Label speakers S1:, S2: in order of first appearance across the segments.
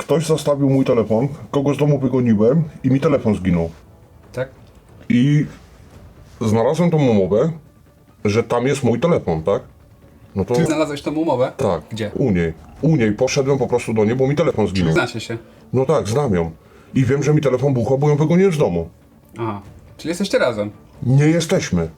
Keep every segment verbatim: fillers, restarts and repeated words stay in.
S1: ktoś zastawił mój telefon, kogo z domu wygoniłem i mi telefon zginął.
S2: Tak?
S1: I znalazłem tą umowę, że tam jest mój telefon, tak? No to...
S2: Ty znalazłeś tą umowę?
S1: Tak.
S2: Gdzie?
S1: U niej. U niej. Poszedłem po prostu do niej, bo mi telefon zginął.
S2: Znacie się.
S1: No tak, znam ją. I wiem, że mi telefon buchał, bo ją wygoniłem z domu.
S2: Aha. Czyli jesteście razem?
S1: Nie jesteśmy.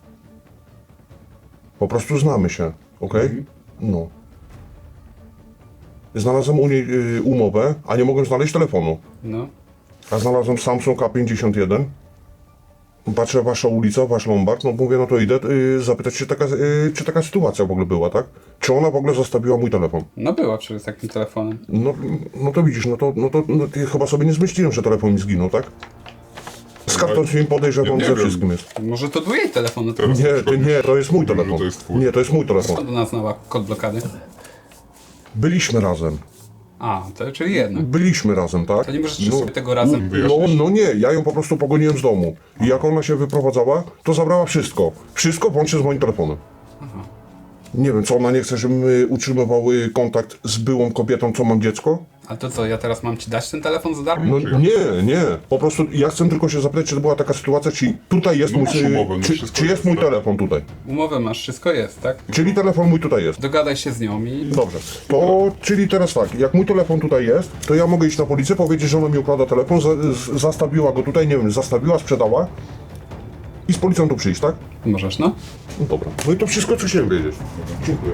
S1: Po prostu znamy się, okej? Okay? No. Znalazłem u niej y, umowę, a nie mogłem znaleźć telefonu.
S2: No.
S1: A znalazłem Samsung A pięćdziesiąt jeden. Patrzę, wasza ulica, wasz Lombard, no mówię, no to idę y, zapytać się, taka, y, czy taka sytuacja w ogóle była, tak? Czy ona w ogóle zostawiła mój telefon?
S2: No była przecież takim telefonem.
S1: No, no to widzisz, no to, no to no, ty chyba sobie nie zmyśliłem, że telefon mi zginął, tak? Skąd to mi podejrzewam,
S3: nie
S1: ze
S3: wiem.
S1: wszystkim jest?
S2: Może to był jej telefon? No to
S3: Teraz
S1: Nie,
S3: na
S1: to
S3: przykład
S1: nie, to jest mój
S3: mówię, że
S1: telefon.
S3: to jest twój.
S1: Nie, to jest mój telefon.
S2: skąd ona znała kod blokady?
S1: Byliśmy razem.
S2: A, to czyli jedna.
S1: Byliśmy razem, tak?
S2: To nie możesz no, sobie tego razem...
S1: No, no nie, ja ją po prostu pogoniłem z domu. I jak ona się wyprowadzała, to zabrała wszystko. Wszystko włącznie z moim telefonem.
S2: Aha.
S1: Nie wiem, co ona nie chce, żebym y, utrzymywał y, kontakt z byłą kobietą, co mam dziecko?
S2: A to co, ja teraz mam ci dać ten telefon za darmo?
S1: No nie, nie. Po prostu ja chcę tylko się zapytać, czy to była taka sytuacja, czy tutaj jest
S3: No
S1: mój,
S3: masz
S1: y,
S3: umowę, no
S1: czy,
S3: wszystko
S1: czy jest
S3: jest,
S1: mój
S3: tak.
S1: telefon tutaj.
S2: Umowę masz, wszystko jest, tak?
S1: Czyli telefon mój tutaj jest.
S2: Dogadaj się z nią i...
S1: Dobrze, to czyli teraz tak, jak mój telefon tutaj jest, to ja mogę iść na policję, powiedzieć, że ona mi układa telefon, za, z, zastawiła go tutaj, nie wiem, zastawiła, sprzedała i z policją tu przyjść, tak?
S2: Możesz, no?
S1: No dobra. No i to wszystko, co chciałem wiedzieć. Dziękuję.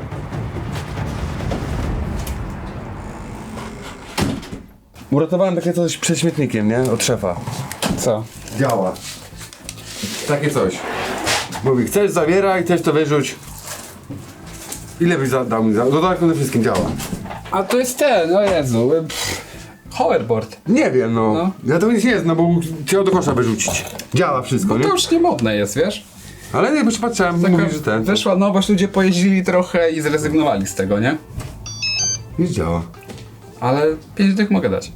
S4: Uratowałem takie coś przed śmietnikiem, nie? Od szefa.
S2: Co?
S4: Działa. Takie coś. Mówi, chcesz zawieraj, chcesz to wyrzuć. Ile byś za- dał mi za... No tak, to wszystkim działa.
S2: A to jest ten, o Jezu. Pff, hoverboard.
S4: Nie wiem, no.
S2: No.
S4: Ja to nic nie jest, no bo chciał do kosza wyrzucić. Działa wszystko, nie?
S2: To już nie modne jest, wiesz?
S4: Ale nie, bo się patrzyłem,
S2: Taka
S4: mówi, że ten...
S2: Weszła nowość, ludzie pojeździli trochę i zrezygnowali z tego, nie?
S4: Nic działa.
S2: Ale pięć dych mogę dać.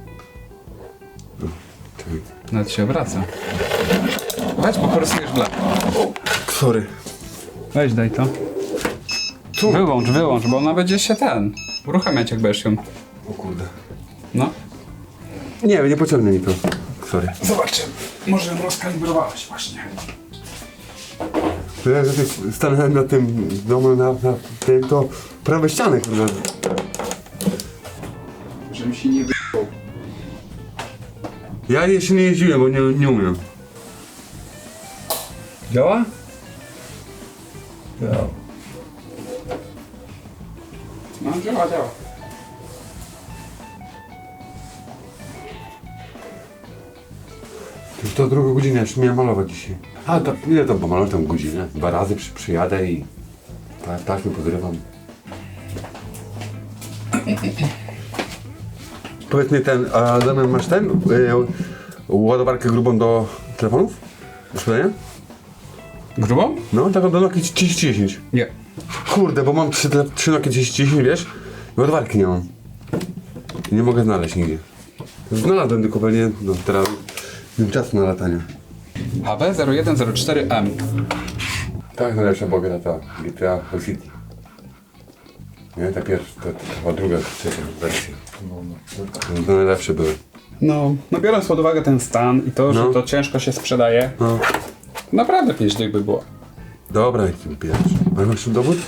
S4: Czekaj.
S2: Nawet się obraca. Weź, bo porysujesz blak.
S4: Sorry.
S2: Weź, daj to.
S4: Tu.
S2: Wyłącz, wyłącz, bo ona będzie się ten... uruchamiać, jak będziesz ją...
S4: O kurde.
S2: No.
S4: Nie, nie pociągnie mi to. Sorry.
S2: Zobaczymy. Może ją rozkalibrowałeś właśnie.
S4: To ja że tak stanąłem na tym domu, na, na tym, to prawe ściany, kurde.
S2: Żebym się nie wyjął.
S4: Ja jeszcze nie jeździłem, bo nie, nie umiem. Działa? Działa.
S2: No, działa, działa.
S4: Już to druga godzina, jeszcze miałem malować dzisiaj. A, to ile to pomalować tą godzinę? Dwa razy przy, przyjadę i ta, taśmy podrywam. Powiedz mi ten, a Damian, masz ten, y, ładowarkę grubą do telefonów? Do sprzedania?
S2: Grubą?
S4: No, taką do Nokii trzydzieści dziesięć.
S2: Nie.
S4: Kurde, bo mam trzy, tele- trzy Nokia trzydzieści dziesięć, wiesz? I ładowarki nie mam. I nie mogę znaleźć nigdzie. Znalazłem tylko pewnie, no teraz nie mam czasu na latanie.
S2: H B zero jeden zero cztery M.
S4: Tak, najlepsza była gra ta G T A Vice City. Nie, ta pierwsza, ta, ta chyba druga, trzecia wersja. No, to najlepsze były.
S2: No, no biorąc pod uwagę ten stan i to, że
S4: No.
S2: to ciężko się sprzedaje,
S4: No.
S2: naprawdę pięć dych by było.
S4: Dobra, i tym pierwszy. Ale masz tu dowód?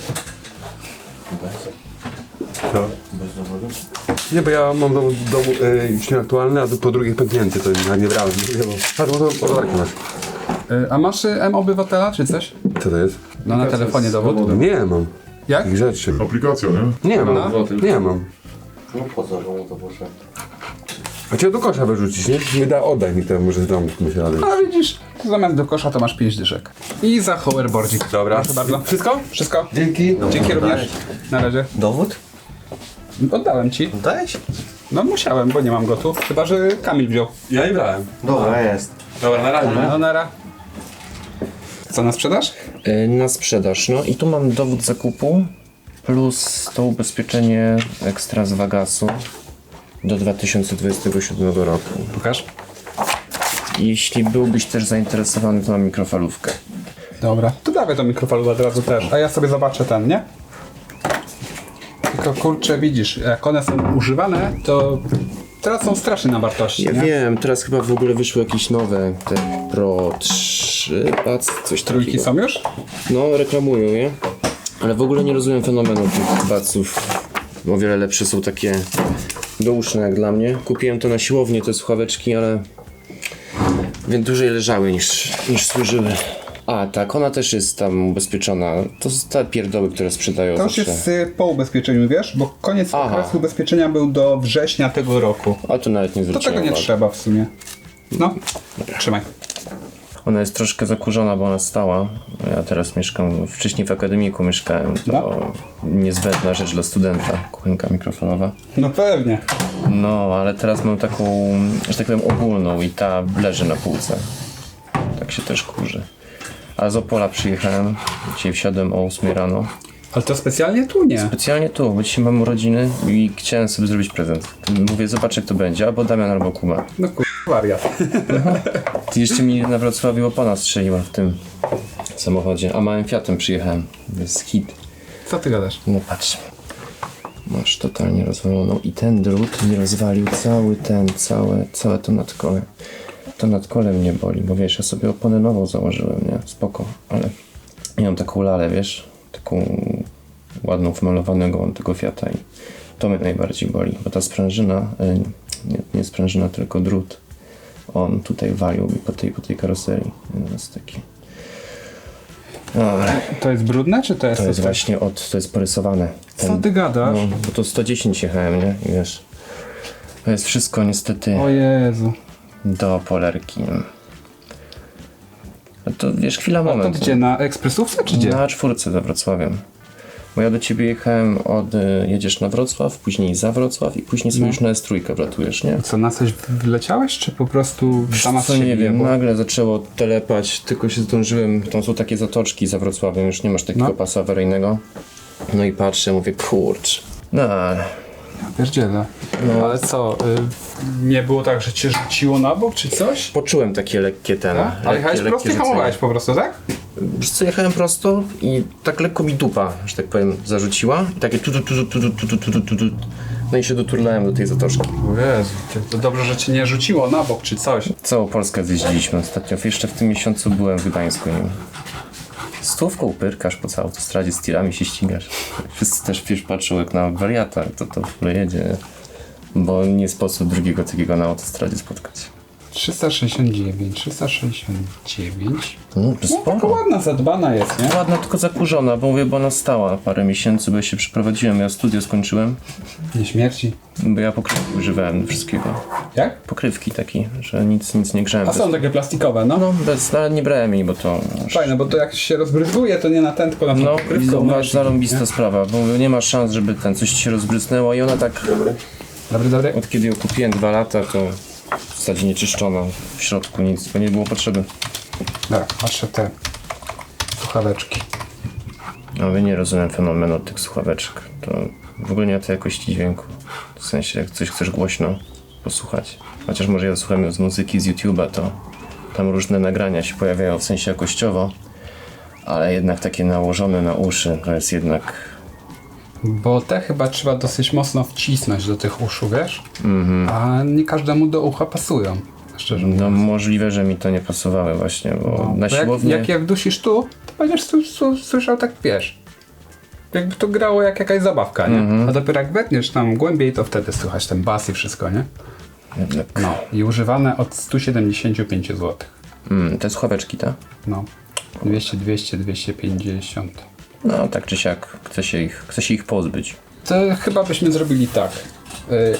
S4: Co?
S5: Bez dowodu?
S4: Nie, bo ja mam dowód, dowód e, już nieaktualny, a po drugie pęknięty, to ja nie brałem. Nie, bo... Patrz, bo to ładowarkę masz.
S2: Y, a masz y, M obywatela czy coś?
S4: Co to jest?
S2: No na telefonie dowód.
S4: Nie mam.
S2: Jak?
S4: Takich rzeczy.
S3: Aplikacja, nie?
S4: Nie mam. Nie mam.
S5: No po co, że mu to poszedł?
S4: A cię do kosza wyrzucić, nie? Nie da, oddaj mi to, może tam myślę radę.
S2: A widzisz, zamiast do kosza to masz pięć dyszek. I za hoverboardzik.
S4: Dobra.
S2: Proszę bardzo.
S4: Wszystko?
S2: Wszystko?
S4: Dzięki.
S2: Dzięki również. Na razie.
S5: Dowód?
S2: Oddałem ci.
S5: Dałeś?
S2: No musiałem, bo nie mam go tu. Chyba, że Kamil wziął.
S4: Ja nie brałem.
S5: Dobra, jest.
S4: Dobra, na razie.
S2: No nara. Co na sprzedaż?
S6: Y, Na sprzedaż. No i tu mam dowód zakupu plus to ubezpieczenie ekstra z Vagasu do dwa tysiące dwudziestego siódmego roku.
S2: Pokaż.
S6: Jeśli byłbyś też zainteresowany, to mam mikrofalówkę.
S2: Dobra. To dawaj tą mikrofalówkę od razu też. A ja sobie zobaczę ten, nie? Tylko kurczę, widzisz, jak one są używane, to Teraz są straszne na wartości,
S6: Ja
S2: nie?
S6: wiem, teraz chyba w ogóle wyszły jakieś nowe, te Pro trzy, pac, coś
S2: Trójki
S6: takiego.
S2: są już?
S6: No, reklamują je. Ale w ogóle nie rozumiem fenomenu tych baców. O wiele lepsze są takie douszne jak dla mnie. Kupiłem to na siłowni, te słuchaweczki, ale więc dłużej leżały niż, niż służyły. A tak, ona też jest tam ubezpieczona. To są te pierdoły, które sprzedają
S2: To już
S6: zawsze.
S2: jest y, po ubezpieczeniu, wiesz? Bo koniec
S6: Aha.
S2: okresu ubezpieczenia był do września tego roku.
S6: A tu nawet nie
S2: To
S6: zwróciłem
S2: tego nie
S6: uwagi.
S2: trzeba w sumie. No, trzymaj.
S6: Ona jest troszkę zakurzona, bo ona stała. Ja teraz mieszkam, wcześniej w akademiku mieszkałem. To
S2: No.
S6: niezbędna rzecz dla studenta, kuchenka mikrofalowa.
S2: No pewnie.
S6: No, ale teraz mam taką, że tak powiem, ogólną i ta leży na półce. Tak się też kurzy. A z Opola przyjechałem, dzisiaj wsiadłem o ósmej rano.
S2: Ale to specjalnie tu nie.
S6: Specjalnie tu, bo dzisiaj mam urodziny i chciałem sobie zrobić prezent. Mówię, zobacz jak to będzie, albo Damian, albo Kuba.
S2: No kur... wariat.
S6: Ty jeszcze mi na Wrocławiu opona strzeliła w tym samochodzie, a małym Fiatem przyjechałem. To jest hit.
S2: Co ty gadasz?
S6: No patrz. Masz totalnie rozwaloną i ten drut mi rozwalił cały ten, całe, całe to nadkole. To nadkole mnie boli, bo wiesz, ja sobie oponę nową założyłem, nie? Spoko, ale ja mam taką lalę, wiesz? Taką ładną, wymalowanego mam tego Fiata i to mnie najbardziej boli, bo ta sprężyna, y, nie, nie sprężyna, tylko drut, on tutaj walił mi po tej, po tej karoserii. To jest taki... Dobra.
S2: To jest brudne, czy to jest...
S6: To jest
S2: coś-
S6: właśnie od, to jest porysowane.
S2: Co ty gadasz?
S6: No, bo to sto dziesięć jechałem, nie? I wiesz, to jest wszystko niestety
S2: O Jezu.
S6: do polerki. No to wiesz, chwila,
S2: A to
S6: moment.
S2: gdzie? Na ekspresówce, czy gdzie?
S6: Na czwórce za Wrocławiem. Bo ja do ciebie jechałem od, y, jedziesz na Wrocław, później za Wrocław i później sobie
S2: No.
S6: już na S trzy wlatujesz, nie?
S2: Co, na coś wleciałeś, czy po prostu sama z
S6: Co
S2: siebie
S6: nie wiem,
S2: jebło?
S6: nagle zaczęło telepać, tylko się zdążyłem, tam są takie zatoczki za Wrocławiem, już nie masz takiego
S2: No.
S6: pasa awaryjnego. No i patrzę, mówię, kurcz. No ale
S2: Pierdziele.
S6: No.
S2: Ale co, y, nie było tak, że cię rzuciło na bok, czy coś?
S6: poczułem takie lekkie ten.
S2: Tak? Ale
S6: lekkie-
S2: jechałeś
S6: lekkie
S2: prosto i
S6: rzucenie.
S2: hamowałeś po prostu, tak?
S6: Wiesz co, jechałem prosto i tak lekko mi dupa, że tak powiem, zarzuciła. I takie tu tu tu tu tu tu tu tu tu tu. No i się doturlałem do tej zatoczki.
S2: O Jezu, to dobrze, że cię nie rzuciło na bok, czy coś.
S6: Całą Polskę zjeździliśmy ostatnio. Jeszcze w tym miesiącu byłem w Gdańsku nim. Stówką pyrkasz po całej autostradzie, z tirami się ścigasz. Wszyscy też wiesz, patrzą jak na wariata, to to w ogóle jedzie. Bo nie sposób drugiego takiego na autostradzie spotkać.
S2: trzysta sześćdziesiąt dziewięć, trzysta sześćdziesiąt dziewięć.
S6: No,
S2: No taka
S6: sporo.
S2: ładna, zadbana jest, nie?
S6: Ładna, tylko zakurzona, bo mówię, bo ona stała parę miesięcy, bo ja się przeprowadziłem, ja studio skończyłem.
S2: Nie śmierci.
S6: Bo ja pokrywki używałem do wszystkiego.
S2: Jak?
S6: Pokrywki taki, że nic, nic nie grzałem.
S2: A są takie plastikowe, no.
S6: No, bez, ale nie brałem jej, bo to...
S2: Fajne, bo to jak się rozbryzguje, to nie na ten, tylko na tą
S6: No,
S2: pokrywkę.
S6: to
S2: ona
S6: masz
S2: się-
S6: zarąbista
S2: nie?
S6: sprawa, bo nie ma szans, żeby ten coś ci się rozbrysnęło i ona tak,
S2: Dobry, dobry.
S6: od kiedy ją kupiłem dwa lata, to w zasadzie nie czyszczona w środku nic, bo nie było potrzeby.
S2: Dobra, patrzę te słuchaweczki.
S6: No, ja nie rozumiem fenomenu tych słuchaweczek. To w ogóle nie ma tej jakości dźwięku. W sensie, jak coś chcesz głośno posłuchać. Chociaż może ja słucham z muzyki, z YouTube'a, to tam różne nagrania się pojawiają w sensie jakościowo, ale jednak takie nałożone na uszy to jest jednak...
S2: Bo te chyba trzeba dosyć mocno wcisnąć do tych uszu, wiesz? Mm-hmm. A nie każdemu do ucha pasują, szczerze mówiąc.
S6: No możliwe, że mi to nie pasowały właśnie, bo
S2: No,
S6: na
S2: bo jak,
S6: siłowni...
S2: jak je wdusisz tu, to będziesz su- su- słyszał tak, wiesz, jakby to grało jak jakaś zabawka, nie?
S6: Mhm.
S2: A dopiero jak wetniesz tam głębiej, to wtedy słychać ten bas i wszystko, nie?
S6: Jednak...
S2: No. I używane od stu siedemdziesięciu pięciu złotych.
S6: Mm, te słuchaweczki, tak?
S2: No. dwieście, dwieście, dwieście pięćdziesiąt.
S6: No tak czy siak, chce się ich, chce się ich pozbyć.
S2: To chyba byśmy zrobili tak. Y,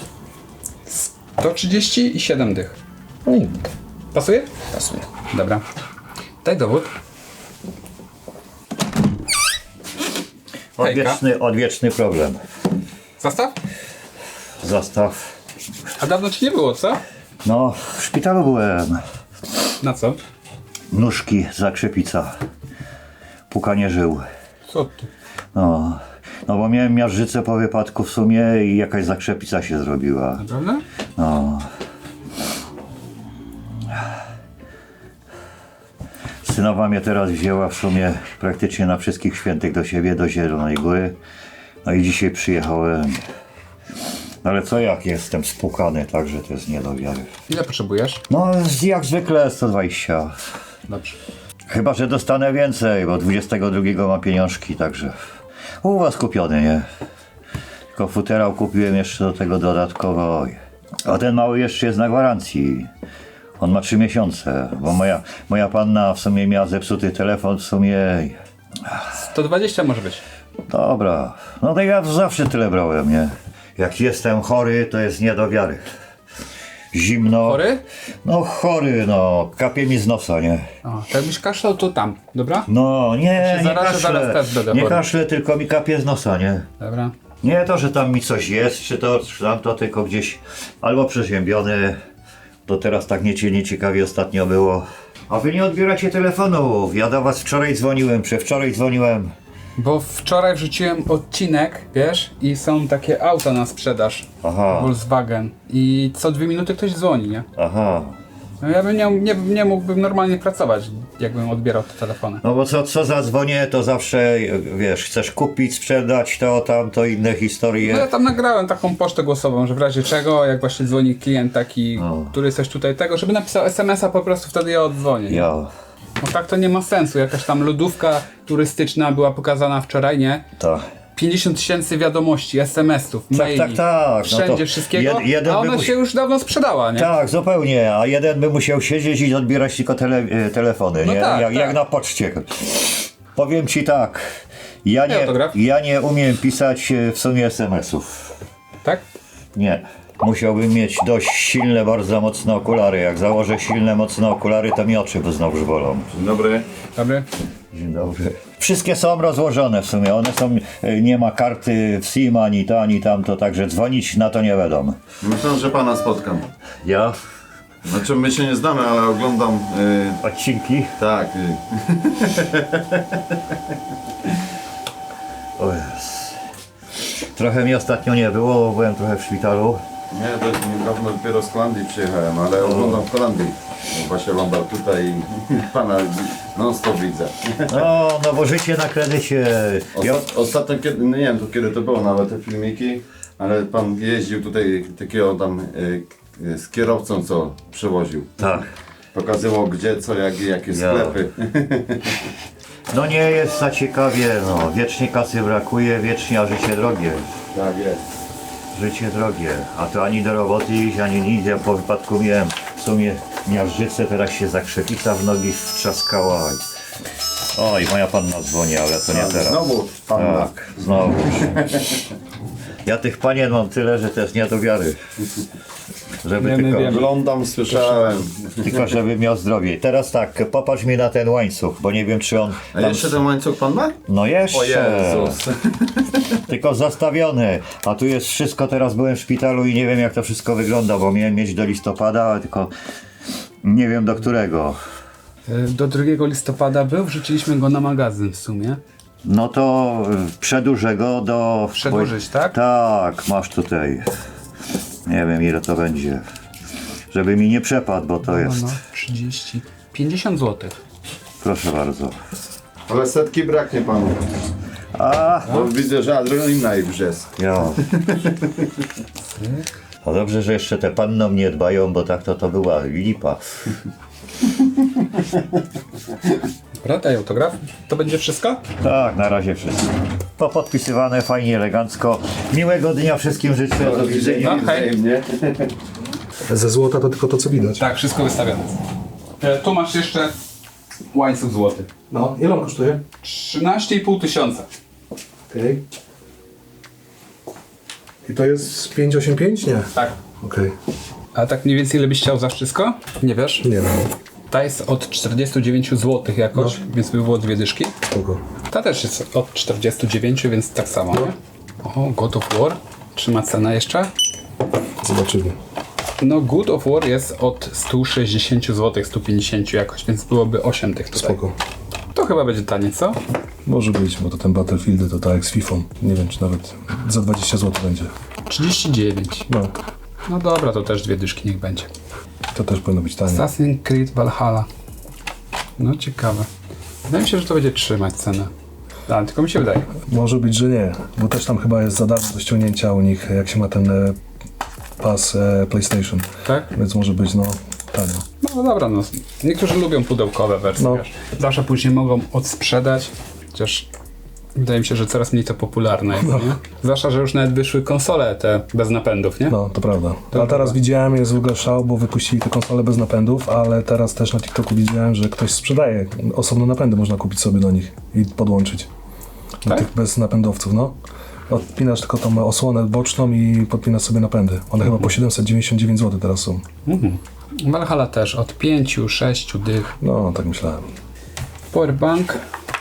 S2: sto trzydzieści i siedem dych.
S6: No i
S2: Pasuje?
S6: pasuje.
S2: Dobra. Daj dowód. Hejka.
S3: Odwieczny, odwieczny problem.
S2: Zastaw?
S3: Zastaw.
S2: A dawno ci nie było, co?
S3: No, w szpitalu byłem.
S2: Na co?
S3: Nóżki, zakrzepica. Pukanie żył.
S2: Co ty?
S3: No, no bo miałem miażdżycę po wypadku w sumie i jakaś zakrzepica się zrobiła.
S2: Prawda?
S3: No. Synowa mnie teraz wzięła w sumie praktycznie na wszystkich świętych do siebie, do Zielonej Góry. No i dzisiaj przyjechałem. Ale co jak jestem spłukany, także to jest nie do wiary.
S2: Ile potrzebujesz?
S3: No jak zwykle sto dwadzieścia.
S2: Dobrze.
S3: Chyba że dostanę więcej, bo dwudziestego drugiego mam pieniążki, także u was kupiony, nie? Tylko futerał kupiłem jeszcze do tego dodatkowo. A ten mały jeszcze jest na gwarancji. On ma trzy miesiące, bo moja, moja panna w sumie miała zepsuty telefon, w sumie...
S2: sto dwadzieścia może być.
S3: Dobra, no to ja zawsze tyle brałem, nie? Jak jestem chory, to jest nie do wiary. Zimno.
S2: Chory?
S3: No chory, no, kapie mi z nosa, nie?
S2: O, to jakbyś kaszlał, to tam, dobra?
S3: No nie,
S2: się
S3: nie
S2: zarażę, zaraz
S3: kaszlę,
S2: też będę
S3: nie
S2: chory.
S3: kaszlę, tylko mi kapie z nosa, nie?
S2: Dobra.
S3: Nie to, że tam mi coś jest, czy to, czy tamto, tylko gdzieś albo przeziębiony. To teraz tak niecie, nieciekawie ostatnio było. A wy nie odbieracie telefonów. Ja do was wczoraj dzwoniłem, przedwczoraj dzwoniłem.
S2: Bo wczoraj wrzuciłem odcinek, wiesz, i są takie auta na sprzedaż.
S3: Aha.
S2: Volkswagen. I co dwie minuty ktoś dzwoni, nie?
S3: Aha.
S2: No ja bym nie, nie, nie mógłbym normalnie pracować, jakbym odbierał te telefony.
S3: No bo co, co zadzwonię, to zawsze, wiesz, chcesz kupić, sprzedać to, tamto, inne historie.
S2: No ja tam nagrałem taką pocztę głosową, że w razie czego, jak właśnie dzwoni klient taki,
S3: No.
S2: który coś tutaj tego, żeby napisał es em es a, po prostu wtedy ja oddzwonię. nie?
S3: Ja.
S2: No tak to nie ma sensu, jakaś tam lodówka turystyczna była pokazana wczoraj, nie?
S3: Tak.
S2: pięćdziesiąt tysięcy wiadomości, es em esów, maili,
S3: tak, tak. No
S2: wszędzie
S3: to
S2: wszystkiego,
S3: jed- jeden
S2: a
S3: by
S2: ona
S3: musi-
S2: się już dawno sprzedała, nie?
S3: Tak, zupełnie, a jeden by musiał siedzieć i odbierać tylko tele, e, telefony,
S2: No
S3: nie?
S2: tak,
S3: jak,
S2: tak.
S3: jak na poczcie. Powiem ci tak, ja
S2: Daj
S3: nie,
S2: autograf.
S3: ja nie umiem pisać e, w sumie es em esów.
S2: Tak?
S3: Nie. Musiałbym mieć dość silne, bardzo mocne okulary. Jak założę silne, mocne okulary, to mi oczy znowuż bolą.
S1: Dzień dobry.
S2: Dobry.
S3: Dzień dobry. Wszystkie są rozłożone w sumie. One są, e, nie ma karty w SIM, ani to, ani tamto, także dzwonić na to nie wiadomo.
S7: Myślę, że pana spotkam.
S3: Ja?
S7: Znaczy my się nie znamy, ale oglądam. Y,
S3: Odcinki?
S7: tak. Y,
S3: O Jezus. Trochę mi ostatnio nie było, bo byłem trochę w szpitalu.
S7: nie, dość niedawno dopiero z Holandii przyjechałem, ale oglądam w Holandii. Właśnie Lombard tutaj i pana non stop widzę.
S3: No, no bo życie na kredycie. Ja,
S7: Ostat, ostatnio, kiedy, no nie wiem tu kiedy to było nawet te filmiki, ale pan jeździł tutaj takiego tam y, y, z kierowcą, co przewoził.
S3: tak.
S7: Pokazywał gdzie, co, jak, jakie
S3: Ja.
S7: sklepy.
S3: No nie jest za ciekawie, no. Wiecznie kasy brakuje, wiecznie, a życie drogie.
S7: tak jest.
S3: Życie drogie, a to ani do roboty iść, ani nic. Ja po wypadku miałem w sumie miażdżycę, teraz się zakrzepica w nogi wtrzaskała. Oj, moja panna dzwoni, ale to nie teraz.
S7: Znowu panna.
S3: Tak, znowu. Ja tych panien mam tyle, że to jest nie do wiary. Żeby
S2: Wiemy,
S3: tylko,
S2: wiemy.
S7: Oglądam, słyszałem.
S3: tylko żeby miał zdrowie. Teraz tak, popatrz mi na ten łańcuch, bo nie wiem czy on...
S7: A
S3: tam-
S7: jeszcze ten łańcuch pan ma?
S3: No jeszcze.
S7: O Jezus.
S3: Tylko zastawiony, a tu jest wszystko, teraz byłem w szpitalu i nie wiem jak to wszystko wygląda, bo miałem mieć do listopada, ale tylko nie wiem do którego.
S2: Do drugiego listopada był, wrzuciliśmy go na magazyn w sumie.
S3: No to y, przedłużę go do...
S2: Przedłużyć, tak?
S3: Tak, masz tutaj. Nie wiem ile to będzie. Żeby mi nie przepadł, bo to
S2: No,
S3: jest.
S2: no, trzydzieści, pięćdziesiąt złotych.
S3: Proszę bardzo.
S7: Ale setki braknie panu.
S3: A,
S7: Bo widzę, że adrenalina i brzesk.
S3: ja. No dobrze, że jeszcze te panny o mnie dbają, bo tak to to była lipa.
S2: Dobra, daj autograf. To będzie wszystko?
S3: Tak, na razie wszystko. To podpisywane fajnie, elegancko. Miłego dnia wszystkim życzę. Do widzenia.
S2: No, hej.
S7: Wzajemnie.
S8: Ze złota to tylko to, co widać.
S2: Tak, wszystko wystawione. E, tu masz jeszcze łańcuch złoty.
S8: No, ile on kosztuje?
S2: trzynaście i pół tysiąca.
S8: Okej. I to jest pięć osiem pięć? Nie.
S2: Tak.
S8: Okej.
S2: A tak mniej więcej ile byś chciał za wszystko? Nie wiesz?
S8: Nie wiem.
S2: Ta jest od czterdziestu dziewięciu złotych jakoś, więc by było dwie dyszki.
S8: Kogo?
S2: Ta też jest od czterdziestu dziewięciu, więc tak samo, nie? O, God of War. Trzyma cenę jeszcze.
S8: Zobaczymy.
S2: No, God of War jest od stu sześćdziesięciu złotych, stu pięćdziesięciu jakoś, więc byłoby osiem tych tutaj.
S8: Spoko.
S2: To chyba będzie tanie, co?
S8: Może być, bo to ten Battlefield to tak jak z FIFA. Nie wiem, czy nawet za dwadzieścia złotych będzie.
S2: trzydzieści dziewięć.
S8: No,
S2: No dobra, to też dwie dyszki niech będzie.
S8: to też powinno być tanie.
S2: Assassin's Creed Valhalla. No ciekawe. Wydaje mi się, że to będzie trzymać cenę. A, tylko mi się wydaje.
S8: Może być, że nie, bo też tam chyba jest za darmo do ściągnięcia u nich, jak się ma ten e, Pass e, PlayStation.
S2: Tak?
S8: Więc może być, no, tanio.
S2: No dobra, no. Niektórzy lubią pudełkowe wersje,
S8: No.
S2: wiesz. Zawsze później mogą odsprzedać, chociaż wydaje mi się, że coraz mniej to popularne jest, nie? Zwłaszcza, że już nawet wyszły konsole te bez napędów, nie?
S8: No, to prawda.
S2: To
S8: A teraz
S2: prawda.
S8: widziałem, jest w ogóle szał, bo wypuścili te konsole bez napędów, ale teraz też na TikToku widziałem, że ktoś sprzedaje osobne napędy, można kupić sobie do nich i podłączyć. Do
S2: Tak?
S8: tych bez napędowców, no. Odpinasz tylko tą osłonę boczną i podpinasz sobie napędy. One chyba po siedemset dziewięćdziesiąt dziewięć złotych teraz są.
S2: Mhm. Valhalla też od pięciu, sześciu dych.
S8: No, tak myślałem.
S2: Powerbank.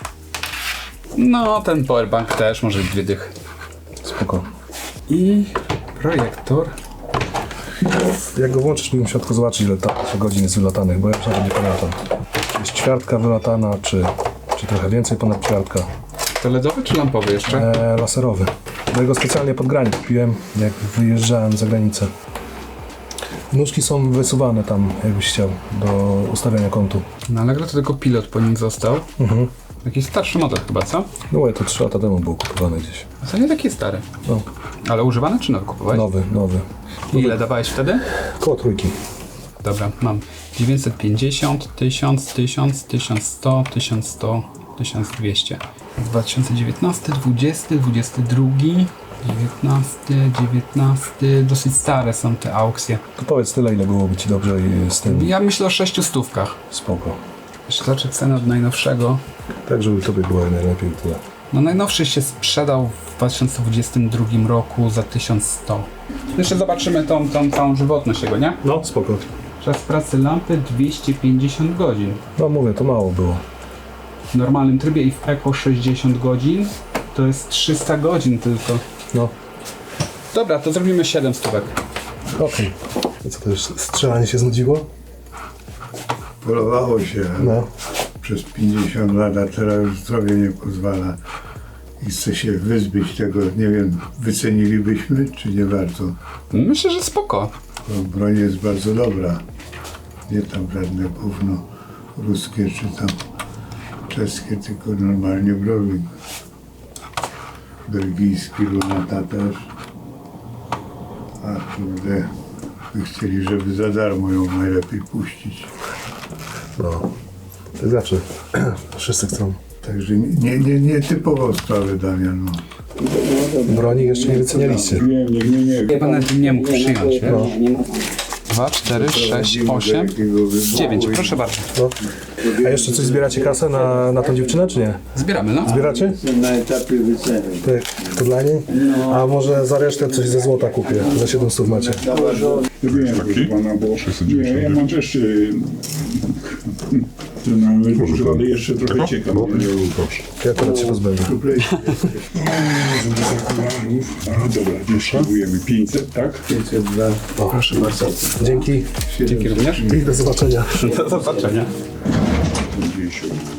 S2: No, ten powerbank też może być dwie dychy.
S8: Spoko.
S2: I projektor.
S8: Jak go włączysz, bym musiał tylko zobaczyć, ile ta godzin jest wylatanych, bo ja już nawet nie pamiętam. Czy jest ćwiartka wylatana, czy, czy trochę więcej ponad ćwiartka.
S2: To ledowy czy lampowy jeszcze?
S8: E, laserowy. Ja go specjalnie pod granic kupiłem, jak wyjeżdżałem za granicę. Nóżki są wysuwane tam, jakbyś chciał, do ustawiania kątu.
S2: Na Allegro to tylko pilot po nim został.
S8: Mhm.
S2: Jakiś starszy model chyba, co?
S8: No to trzy lata temu był kupowany gdzieś.
S2: A to nie taki stary.
S8: No,
S2: Ale używany czy nowy kupowałeś?
S8: nowy, nowy.
S2: Ile dawałeś wtedy?
S8: Koło trójki.
S2: Dobra, mam dziewięćset pięćdziesiąt, tysiąc, tysiąc, tysiąc sto, tysiąc sto, tysiąc dwieście. dwa tysiące dziewiętnasty, dwudziesty, dwudziesty drugi, dziewiętnasty, dziewiętnasty. Dosyć stare są te aukcje.
S8: To powiedz tyle, ile byłoby ci dobrze i z tym
S2: Ja myślę o sześciu stówkach.
S8: spoko.
S2: Jeszcze zobaczę cenę od najnowszego.
S8: Tak, żeby tobie było najlepiej tyle.
S2: No najnowszy się sprzedał w dwa tysiące dwudziestym drugim roku za tysiąc sto. Jeszcze zobaczymy tą, tą całą żywotność jego, nie?
S8: No, spoko.
S2: Czas pracy lampy dwieście pięćdziesiąt godzin.
S8: No mówię, to mało było.
S2: W normalnym trybie i w Eco sześćdziesiąt godzin. To jest trzysta godzin tylko.
S8: No,
S2: Dobra, to zrobimy siedem stówek.
S8: okej. I co to już, strzelanie się znudziło?
S9: Polowało się
S8: No.
S9: przez pięćdziesiąt lat, a teraz już zdrowie nie pozwala i chce się wyzbyć tego, nie wiem, wycenilibyśmy, czy nie bardzo.
S2: Myślę, że spoko.
S9: Bo broń jest bardzo dobra. Nie tam żadne gówno ruskie, czy tam czeskie, tylko normalnie broń. Belgijski lunata też. A kurde, by chcieli, żeby za darmo ją najlepiej puścić.
S8: No. Tak zawsze. Wszyscy chcą.
S9: Także nie, nie, nie typowo sprawę Damian. No.
S8: Broni jeszcze nie wycenialiście.
S9: Nie, nie, nie, nie.
S2: Ja pan nawet nie mógł przyjąć, wiesz? dwa, cztery, sześć, osiem, dziewięć. Proszę bardzo.
S8: No. A jeszcze coś zbieracie kasę na, na tą dziewczynę, czy nie?
S2: Zbieramy, no.
S8: Zbieracie?
S9: Jestem na etapie wyceny.
S8: Tak, to dla niej? A może za resztę coś ze złota kupię? Za siedem stów macie.
S10: Wiem, proszę pana, bo nie, ja mam też y, ten emeryturze, ale jeszcze trochę ciekaw.
S8: Ja akurat się pozbędę.
S10: A dobra, dystrybuujemy pięćset, tak?
S9: pięćset dwa.
S8: Proszę bardzo. Dzięki.
S2: Dzięki również.
S8: I do zobaczenia.
S2: Do zobaczenia.
S10: pięćdziesiąt.